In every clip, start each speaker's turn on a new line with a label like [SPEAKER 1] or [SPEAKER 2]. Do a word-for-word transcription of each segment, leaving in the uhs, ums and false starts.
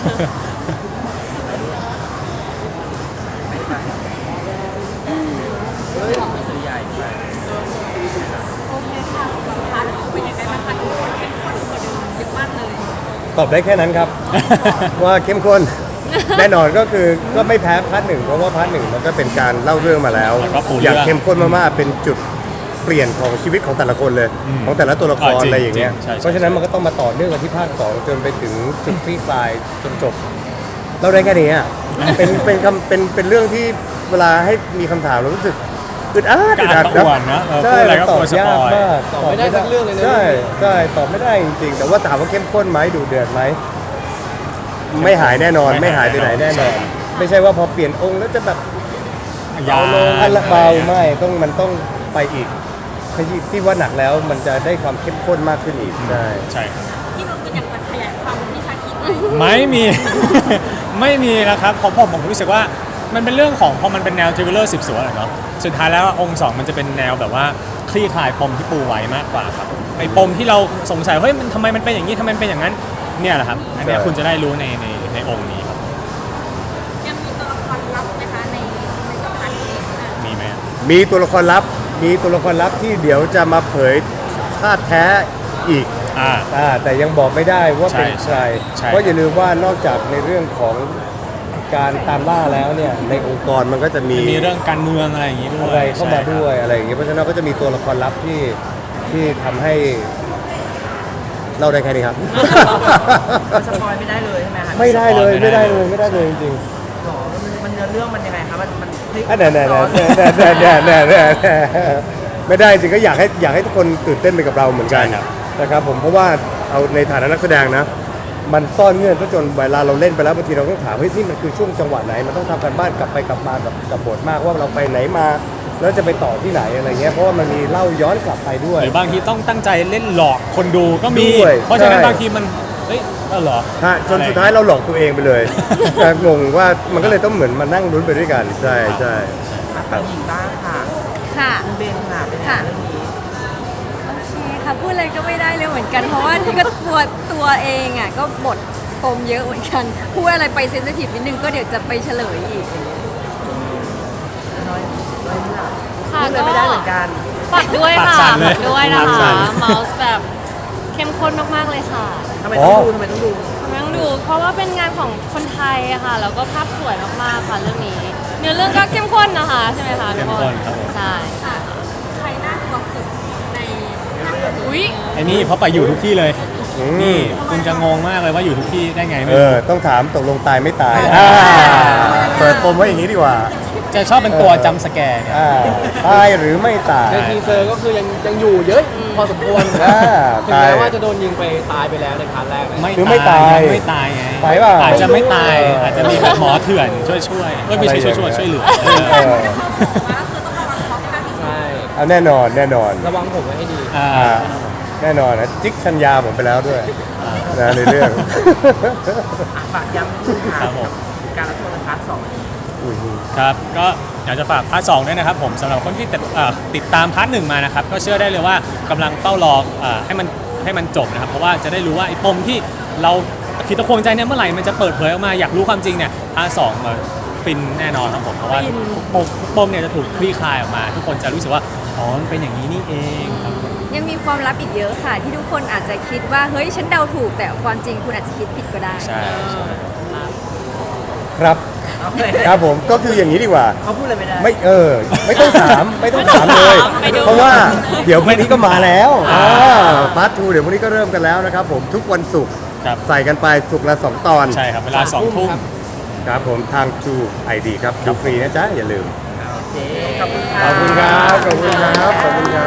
[SPEAKER 1] เฮ้ยสื่อใหญ่ไป
[SPEAKER 2] โอเคค่ะสัมภาษณ์เป็นยังไงบ้างคะทุกคนเข้มข้นกว่าเดิมเยอะมากเลย
[SPEAKER 3] ตอบได้แค่นั้นครับ ว่าเข้มข้น แน่นอนก็คือก็ไม่แพ้พาร์ทหนึ่งเพราะว่าพาร์ทหนึ่งมันก็เป็นการเล่าเรื่องมาแล้ว
[SPEAKER 4] แล้วก็ปูเรื่อง
[SPEAKER 3] อยากเข้มข้นมากๆเป็นจุดเปลี่ยนของชีวิตของแต่ละคนเลย
[SPEAKER 4] อืม
[SPEAKER 3] ของแต่ละตัวละคร
[SPEAKER 4] อ่าจริง
[SPEAKER 3] อะไรอย่างเงี้ย
[SPEAKER 4] จริงใช่ใช่
[SPEAKER 3] เพราะฉะนั้นมันก็ต้องมาต่อเนื่องกันที่ภาคสองจนไปถึงจุดคลี่คลายจนจบเราได้แค่นี้อ่ะ เป็นเป็นคำเป็นเป็นเรื่องที่เวลาให้มีคำถามเรารู้สึกอึดอัดอึดอัด
[SPEAKER 4] กระอ่วนนะเออ
[SPEAKER 3] ใช่
[SPEAKER 4] พูดอะไรก็
[SPEAKER 3] ตอก บ
[SPEAKER 4] ลัวส
[SPEAKER 3] ยา
[SPEAKER 4] ป
[SPEAKER 3] ก
[SPEAKER 4] อย
[SPEAKER 3] มาก
[SPEAKER 1] ตอบไม่ได้สักเรื่องเลยนะ
[SPEAKER 3] ใช่ใช่ตอบไม่ได้จริงๆแต่ว่าถามว่าเข้มข้นไหมดูเดือดไหมไม่หายแน่นอนไม่หายไปไหนแน่นอน ไม่ใช่ว่าพอเปลี่ยนองค์แล้วจะแบบ
[SPEAKER 4] ยา
[SPEAKER 3] เบาลงอันละเบาไม่ต้องมันต้องไปอีกที่ว่าหนักแล้วมันจะได้ความเข้มข้นมากขึ้นอีกใช่
[SPEAKER 4] ใช่ครับ
[SPEAKER 2] ที่เราเป็นอยากจะขยายความที่ชาคิดไหม
[SPEAKER 4] ไม่มี ไม่มีนะครับผมผมผมรู้สึกว่ามันเป็นเรื่องของพอมันเป็นแนวทริลเลอร์สืบสวนอะเนาะสุดท้ายแล้วองค์สองมันจะเป็นแนวแบบว่าคลี่คลายปมที่ปูไว้มากกว่าครับไอ้ปมที่เราสงสัยเฮ้ยมันทำไมมันเป็นอย่างนี้ทำไมมันเป็นอย่างนั้นเนี่ยแหละครับอันเนี้ยคุณจะได้รู้ในในในองค์นี้ครับ
[SPEAKER 2] ยังมีตัวละครลับไหมคะในในกับพันนี้
[SPEAKER 4] มีไหม
[SPEAKER 3] มีตัวละครลับมีตัวละครลับที่เดี๋ยวจะมาเผยธาตุแท้อีก
[SPEAKER 4] อ่า
[SPEAKER 3] อ่าแต่ยังบอกไม่ได้ว่าเป็น
[SPEAKER 4] ใช่
[SPEAKER 3] ใคร
[SPEAKER 4] ใช่
[SPEAKER 3] เพราะอย่าลืมว่านอกจากในเรื่องของการตามล่าแล้วเนี่ยในองค์กรมันก็จะมี
[SPEAKER 4] มันมีเรื่องการเมืองอะไรอย่างนี้ด้วย
[SPEAKER 3] อะไรเข้ามา
[SPEAKER 4] ใช่ครับ
[SPEAKER 3] ด้วยอะไรอย่างเงี้ยเพราะฉะนั้นก็จะมีตัวละครลับที่ที่ทำให้เล่าได้แค่นี้ครับ
[SPEAKER 1] สปอยไม่ได้เลยใช่ไหมคะ
[SPEAKER 3] ไม่ได้เลยไม่ได้เลยไม่ได้เลยจริง
[SPEAKER 1] หรอมันมันเนื้อเรื่องมันยังไงคะมันมันพลิก
[SPEAKER 3] ๆอ่ะแน่แน่
[SPEAKER 1] ซ้
[SPEAKER 3] แน่
[SPEAKER 1] อน
[SPEAKER 3] แน่แน่แน่แน่แน่ไม่ได้จริงก็อยากให้อยากให้ทุกคนตื่นเต้นไปกับเราเหมือนกัน
[SPEAKER 4] ใช่ครับ
[SPEAKER 3] นะครับผมเพราะว่าเอาในฐานะนักแสดงนะ มันซ่อนเงื่อนซะจนเวลาเราเล่นไปแล้วบางทีเราต้องถามเฮ้ยนี่มันคือช่วงจังหวะไหนมันต้องทำกันบ้านกลับไปกลับมากับกับบทมากว่าเราไปไหนมา แล้วจะไปต่อที่ไหนอะไรเงี้ยเพราะว่ามันมีเล่าย้อนกลับไปด้วย
[SPEAKER 4] หรือบางทีต้องตั้งใจเล่นหลอกคนดูก็มี
[SPEAKER 3] ด้วย
[SPEAKER 4] เพราะฉะนั้น
[SPEAKER 3] ใช่
[SPEAKER 4] บางทีมันเฮ้ยเออเหรอ
[SPEAKER 3] ฮะจนสุดท้ายเราหลอกตัวเองไปเลย แต่งงว่ามันก็เลยต้องเหมือนมานั่งลุ้นไปด้วยกันใช่ใช่
[SPEAKER 1] อ่ะฝั่งหญิงบ้างค่ะ
[SPEAKER 2] ค่ะ
[SPEAKER 1] คุณเบนค่ะเป็นยังไง
[SPEAKER 2] ค่ะ
[SPEAKER 1] เรื่องนี้
[SPEAKER 2] โอเคค่ะพูดอะไรก็ไม่ได้เลยเหมือนกัน เพราะว่านี่ก็ตัวตัวเองอ่ะก็บทปมเยอะเหมือนกันพูดอะไรไปเซนซิทีฟนิดนึงก็เดี๋ยวจะไปเฉลยอีก
[SPEAKER 1] น้อยน้อยเรื่อง
[SPEAKER 5] ค่ะ
[SPEAKER 1] พูดเลยไม่ได้เหมือนกัน
[SPEAKER 5] ฝากด้วย
[SPEAKER 4] ปาก
[SPEAKER 5] ค่ะ
[SPEAKER 4] สั่นเลย
[SPEAKER 5] ฝากด้วยนะ
[SPEAKER 4] ปากสั่
[SPEAKER 5] คะ
[SPEAKER 4] น
[SPEAKER 5] เมาส์แบบเข้มข้นมากๆเลยค่ะ
[SPEAKER 1] ทำไมต้องดูทำไมต้องดู
[SPEAKER 5] ต้องดู เพราะว่าเป็นงานของคนไทยอะค่ะ แล้วก็ภาพสวยมากๆค่ะเรื่องนี้ เนื้อเรื่องก็เข้มข้นนะคะใช่ไหมคะทุ
[SPEAKER 4] เข้
[SPEAKER 5] ก
[SPEAKER 4] ม
[SPEAKER 5] ค
[SPEAKER 4] ข้
[SPEAKER 5] น
[SPEAKER 4] นครับผม
[SPEAKER 5] ใช่
[SPEAKER 2] ค่ะใครน่ากลัวสุดในภาคนี้
[SPEAKER 5] อุ้ย
[SPEAKER 4] ไอ้นี่เพราะไปอยู่ทุกที่เลย
[SPEAKER 3] อืม
[SPEAKER 4] นี่คุณจะงงมากเลยว่าอยู่ทุกที่ได้ไงไม่
[SPEAKER 3] เอ
[SPEAKER 4] รู้
[SPEAKER 3] อต้องถามตกลงตายไม่ตายอ่าเปิดปมไว้อย่างนี้ดีกว่า
[SPEAKER 4] จะชอบเป็นตัวจำสแกร์เนี่ย
[SPEAKER 3] อ่าตายหรือไม่ตาย
[SPEAKER 6] ในทีเซอร์ก็คือยังยังอยู่เยอะพอสมควร
[SPEAKER 3] อ่า
[SPEAKER 6] ถึง
[SPEAKER 3] ตาย
[SPEAKER 6] แม้ว่าจะโดนยิงไปตายไปแล้วในพาร์ทแรกนะ
[SPEAKER 4] ไม่
[SPEAKER 3] หรือไม่ตาย
[SPEAKER 4] ยังไม่ตายไง
[SPEAKER 3] ตายเปล่า
[SPEAKER 4] อาจจะไม่ตาย
[SPEAKER 3] ไม่รู้
[SPEAKER 4] อาจจะมีแบบหมอเถื่อนช่วยช่วยๆเอ้ยไม่ใช่ช่วยช่วยๆช่วยเหลือเออ
[SPEAKER 3] เออ
[SPEAKER 2] มาก็คือต้องระวังเพราะภาคที่
[SPEAKER 6] ใช่
[SPEAKER 3] เอาแน่นอนแน่นอน
[SPEAKER 6] ระวังผมไว้ให้ดี
[SPEAKER 4] อ่า
[SPEAKER 3] อ่าแน่นอนนะจิ๊กชัญญาผมไปแล้วด้วยนะในเรื่อง
[SPEAKER 1] อ่ะฝากย้ำนิดนึงค่ะ
[SPEAKER 4] ครับผม
[SPEAKER 1] การรับชมในพาร์ทสอง
[SPEAKER 4] ครับก็อยากจะฝากพาร์ทสองด้วยนะครับผมสำหรับคนที่ติดเอ่อติดตามพาร์ทหนึ่งมานะครับก็เชื่อได้เลยว่ากำลังเฝ้ารอเอ่อให้มันให้มันจบนะครับเพราะว่าจะได้รู้ว่าไอ้ปมที่เราคิดตะควงใจเนี่ยเมื่อไหร่มันจะเปิดเผยออกมาอยากรู้ความจริงเนี่ยพาร์ทสองมาฟินแน่นอนครับผมเพราะว่าปมปมเนี่ยจะถูกคลี่คลายออกมา ทุกคนจะรู้สึกว่าอ๋อมันเป็นอย่างนี้นี่เองครับ
[SPEAKER 2] ยังมีความลับอีกเยอะค่ะ ที่ทุกคนอาจจะคิดว่าเฮ้ยฉันเดาถูกแต่ความจริงคุณอาจจะคิดผิดก็ได้
[SPEAKER 4] ใช่ใช่
[SPEAKER 3] ครับ
[SPEAKER 1] โอเค
[SPEAKER 3] ครับผมก็คืออย่างนี้ดีกว่า
[SPEAKER 1] เขาพูดอะไรไม่ได้
[SPEAKER 3] ไม่เออไม่ต้องถามไม่ต้องถามเลย
[SPEAKER 5] ไปดู
[SPEAKER 3] เพราะว่าเดี๋ยวพรุ่งนี้ก็มาแล้ว
[SPEAKER 4] อ่า
[SPEAKER 3] พาร์ททูเดี๋ยวพรุ่งนี้ก็เริ่มกันแล้วนะครับผมทุกวันศุกร์
[SPEAKER 4] ครับ
[SPEAKER 3] ใส่กันไปศุกร์ละสองตอน
[SPEAKER 4] ใช่ครับเวลาสองทุ่ม
[SPEAKER 3] ครับผมทางทูไอดีครับดูฟรีนะจ๊ะอย่าลืม
[SPEAKER 1] โอเค ขอบคุณค่ะ
[SPEAKER 3] ขอบคุณครับขอบคุณครับขอบคุณครับ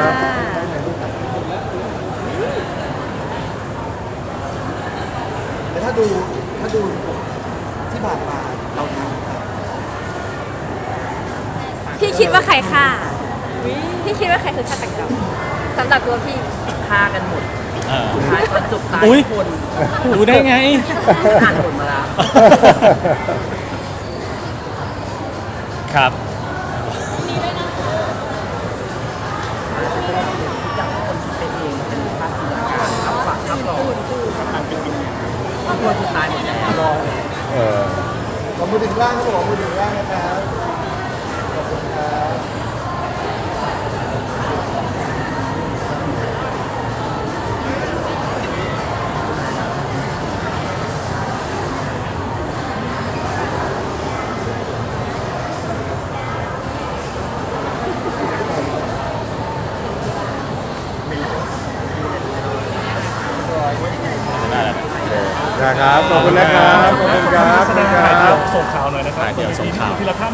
[SPEAKER 6] แต่ถ้าดูถ้าดูที่ผ่านมาเราดู
[SPEAKER 2] พี่คิดว่าใครฆ่าพี่คิดว่าใครคือฆาตกรรมสำหรับตัวพี่
[SPEAKER 1] ฆ่ากันหมด
[SPEAKER 4] เออ
[SPEAKER 1] สุดท้ายตอนจบตาย
[SPEAKER 4] อุ๊ย
[SPEAKER 1] ทุกคน
[SPEAKER 4] รู้ได้ไง
[SPEAKER 1] อ่านบทมาแล้ว
[SPEAKER 4] ครับ
[SPEAKER 1] อยากให้คนคิดไปเองเป็นภาพจินตนาการครับฝากภาพหลอกภาพคนสุดท้ายหมดแล้ว
[SPEAKER 6] อถึงล่างครับผมมือถึงล่างนะครับขอบคุณครับ
[SPEAKER 4] ได้แล้ว
[SPEAKER 3] นะครับ ขอบคุณนะครับ ขอบคุณครับ
[SPEAKER 7] แสดงถ่ายเดี่ยวส่งข่าวหน่อยนะครับ
[SPEAKER 4] ถ่ายเดี่ยวส่งข่าว
[SPEAKER 7] ทีละท่าน